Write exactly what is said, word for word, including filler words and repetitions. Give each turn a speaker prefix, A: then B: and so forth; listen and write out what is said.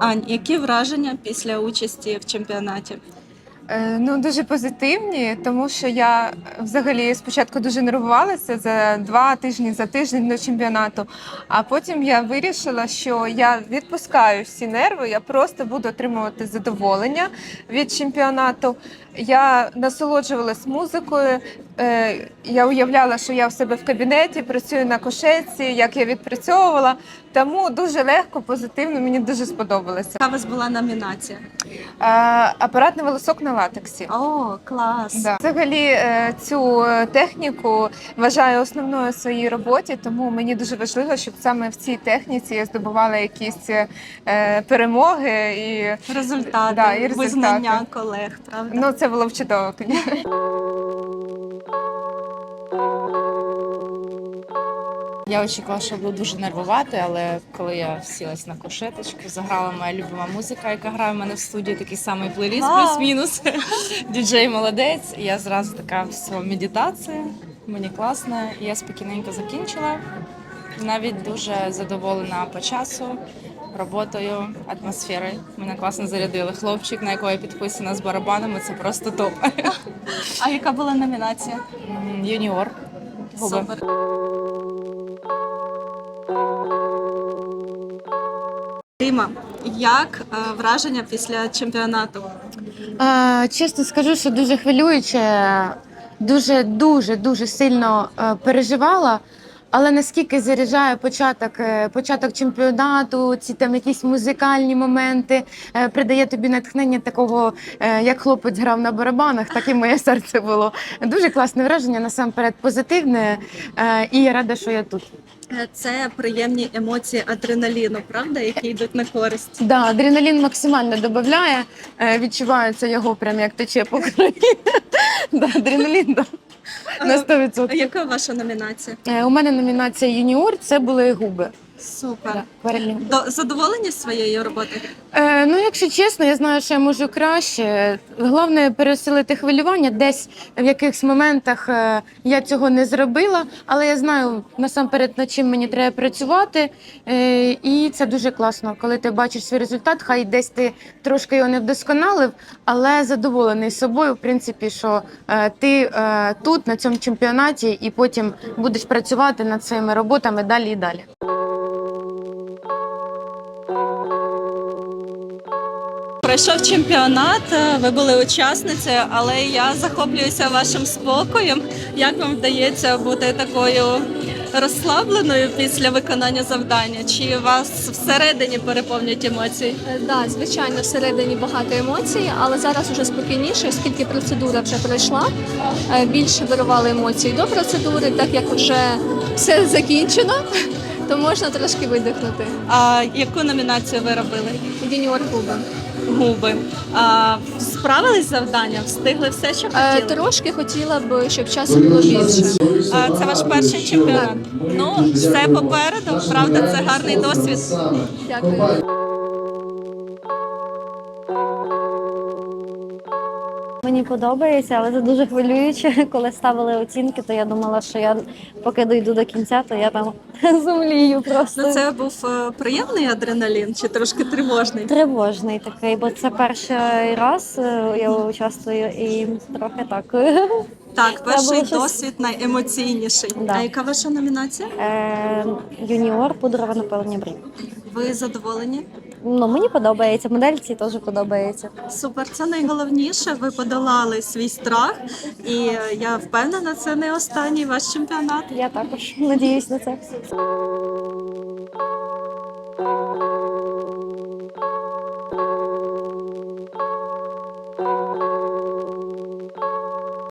A: Ань, які враження після участі в чемпіонаті?
B: Е, Ну, дуже позитивні, тому що я взагалі спочатку дуже нервувалася за два тижні, за тиждень до чемпіонату. А потім я вирішила, що я відпускаю всі нерви, я просто буду отримувати задоволення від чемпіонату. Я насолоджувалась музикою. е, Я уявляла, що я в себе в кабінеті працюю на кушетці, як я відпрацьовувала. Тому дуже легко, позитивно, мені дуже сподобалося.
A: Яка у вас була номінація?
B: Е, Апаратний волосок на латексі.
A: О, клас!
B: Да. Взагалі е, цю техніку вважаю основною в своїй роботі, тому мені дуже важливо, щоб саме в цій техніці я здобувала якісь е, перемоги і
A: Результати,
B: Да, і результати.
A: визнання колег, правда?
B: ну це було б чудово.
C: Я очікувала, що буду дуже нервувати, але коли я сілась на кушеточку, заграла моя любима музика, яка грає в мене в студії, такий самий плейліст,
A: Вау!
C: плюс-мінус. Діджей молодець. І я зразу така, все, медитація, мені класно. І я спокійненько закінчила. Навіть дуже задоволена по часу, роботою, атмосферою. Мене класно зарядили. Хлопчик, на якого я підписана з барабанами, це просто топ.
A: А яка була номінація?
C: М, Юніор. Губи.
A: Супер. Ріма, як е, враження після чемпіонату?
D: Е, Чесно скажу, що дуже хвилююче, дуже дуже дуже сильно е, переживала. Але наскільки заряджає початок, е, початок чемпіонату, ці там якісь музикальні моменти, е, придає тобі натхнення такого, е, як хлопець грав на барабанах, так і моє серце було. Дуже класне враження, насамперед позитивне, е, і я рада, що я тут.
A: Е, Це приємні емоції адреналіну, правда, які йдуть на користь.
D: Да, адреналін максимально додає, е, відчувається його прям як тече по крові. Да, адреналін, да. На сто
A: А
D: відсотків.
A: яка ваша номінація?
D: Е, У мене номінація юніор, це були губи.
A: Супер.
D: Да, перелім.
A: До задоволені своєю роботою?
D: Е, ну, якщо чесно, я знаю, що я можу краще. Головне пересилити хвилювання. Десь в якихось моментах е, я цього не зробила, але я знаю насамперед, над чим мені треба працювати. Е, і це дуже класно, коли ти бачиш свій результат, хай десь ти трошки його не вдосконалив, але задоволений собою, в принципі, що е, ти е, тут, на цьому чемпіонаті, і потім будеш працювати над своїми роботами далі і далі.
A: Пройшов чемпіонат, ви були учасницею, але я захоплююся вашим спокоєм. Як вам вдається бути такою розслабленою після виконання завдання? Чи вас всередині переповнюють емоції?
E: Так, да, звичайно, всередині багато емоцій, але зараз вже спокійніше, оскільки процедура вже пройшла. Е, Більше вирували емоції до процедури, так як вже все закінчено, то можна трошки видихнути.
A: А яку номінацію ви робили?
E: Юніор губи.
A: Губи. А, справились з завданням? Встигли все, що
E: Е,
A: хотіли?
E: Трошки хотіла б, щоб часу було більше.
A: А, це ваш перший чемпіонат? Ну, все попереду, правда, це гарний досвід.
E: Дякую.
F: Мені подобається, але це дуже хвилююче. Коли ставили оцінки, то я думала, що я поки дойду до кінця, то я там зумлію просто.
A: Ну, це був е, приємний адреналін чи трошки тривожний?
F: Тривожний такий, бо це перший раз е, я участвую і трохи так.
A: Так, перший
F: було щось-
A: досвід найемоційніший.
F: Да.
A: А яка ваша номінація?
F: Е, Юніор, пудрове напилення брів.
A: Ви задоволені?
F: Ну, мені подобається, модельці теж подобається.
A: Супер, це найголовніше. Ви подолали свій страх, і е, я впевнена, це не останній ваш чемпіонат.
F: Я також надіюсь на це.